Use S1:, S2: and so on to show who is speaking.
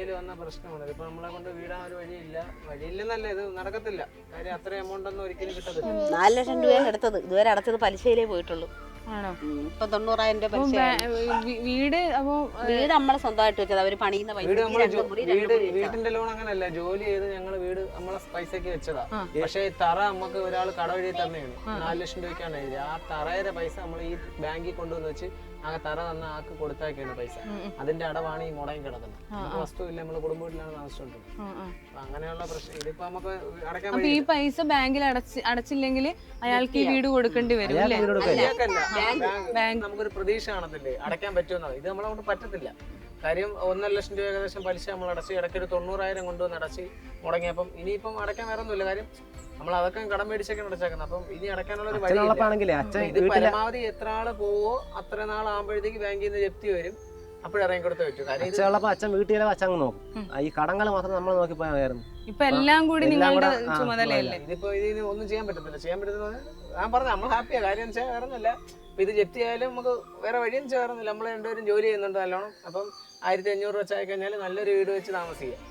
S1: പൈസയിൽ വന്ന പ്രശ്നമാണ്. ഇതിപ്പോ നമ്മളെ കൊണ്ട് വീടാൻ ഒരു വഴിയില്ലെന്നല്ല, ഇത് നടക്കത്തില്ല. കാര്യം അത്രയും എമൗണ്ട് ഒന്നും ഒരിക്കലും കിട്ടത്തില്ല.
S2: 4 ലക്ഷം രൂപയാണ് എടുത്തത്, ഇതുവരെ അടച്ചത് പലിശയിലേ പോയിട്ടുള്ളൂ.
S3: ആണോ?
S2: ഇപ്പൊ 90,000 രൂപ പലിശ.
S3: വീട് അപ്പൊ
S2: വീട് നമ്മളെ സ്വന്തമായിട്ട് വെച്ചത്, അവര് പണിയുന്ന പൈസ.
S1: വീടിന്റെ ലോൺ അങ്ങനല്ല, ജോലി ചെയ്ത് ഞങ്ങള് വീട് നമ്മളെ പൈസക്ക് വെച്ചതാ. പക്ഷെ തറ നമുക്ക് ഒരാൾ കടവഴി തന്നെയാണ് 4 ലക്ഷം രൂപയ്ക്കാണ് എഴുതി. ആ തറയുടെ പൈസ നമ്മൾ ഈ ബാങ്കിൽ കൊണ്ടുവന്ന് വെച്ച് ആ തറ തന്ന ആക്ക് കൊടുത്താക്കിയാണ് പൈസ. അതിന്റെ അടവാണ് ഈ മുടങ്ങി കിടക്കുന്നത്. നമുക്ക് വസ്തുവില്ല, നമ്മള് കുടുംബ വീട്ടിലാണ് താമസിച്ചോണ്ടിരുന്നത്. അപ്പൊ അങ്ങനെയുള്ള പ്രശ്നം ഇതിപ്പോ നമുക്ക് അടയ്ക്കാൻ.
S3: അപ്പൊ ഈ പൈസ ബാങ്കിൽ അടച്ചില്ലെങ്കിൽ അയാൾക്ക് ഈ വീട് കൊടുക്കേണ്ടി വരും അല്ലേ?
S1: നമുക്കൊരു പ്രതീക്ഷ കാണത്തില്ലേ അടയ്ക്കാൻ പറ്റുമെന്നത്. ഇത് നമ്മളെ കൊണ്ട് പറ്റത്തില്ല. കാര്യം 1.5 ലക്ഷം രൂപ ഏകദേശം പലിശ നമ്മൾ അടച്ച്, ഇടയ്ക്കൊരു 90,000 കൊണ്ടുവന്ന് അടച്ച് മുടങ്ങിയപ്പം ഇനിയിപ്പം അടയ്ക്കാൻ വേറെ ഒന്നുമില്ല. കാര്യം നമ്മൾ അതൊക്കെ കടം മേടിച്ചൊക്കെ അടച്ചേക്കുന്നത്. അപ്പം ഇനി അടയ്ക്കാനുള്ള ഒരു വഴി. ഇത് പരമാവധി എത്ര ആള് പോവോ അത്ര നാളാകുമ്പോഴത്തേക്ക് ബാങ്കിൽ നിന്ന് ജപ്തി വരും. അപ്പോഴിറങ്ങി കൊടുത്ത് പറ്റും. കാര്യം
S4: അച്ഛൻ വീട്ടിലെ അച്ഛൻ നോക്കും, ഈ കടങ്ങൾ മാത്രം നമ്മൾ നോക്കി പോയായിരുന്നു.
S3: ഇപ്പൊ എല്ലാം കൂടി നിങ്ങളുടെ ചുമതലയല്ലേ?
S1: ഇതിപ്പോ ഇതിന് ഒന്നും ചെയ്യാൻ പറ്റത്തില്ല. ഞാൻ പറഞ്ഞ നമ്മൾ ഹാപ്പിയാ. കാര്യം വെച്ചാൽ വേറെ ഒന്നുമില്ല. ഇത് ജപ്തി ആയാലും നമുക്ക് വേറെ വഴിയും ചേർന്നില്ല. നമ്മൾ രണ്ടുപേരും ജോലി ചെയ്യുന്നുണ്ട് നല്ലോണം. അപ്പം 1,500 വെച്ചായി കഴിഞ്ഞാൽ നല്ലൊരു വീട് വെച്ച് താമസിക്കുക.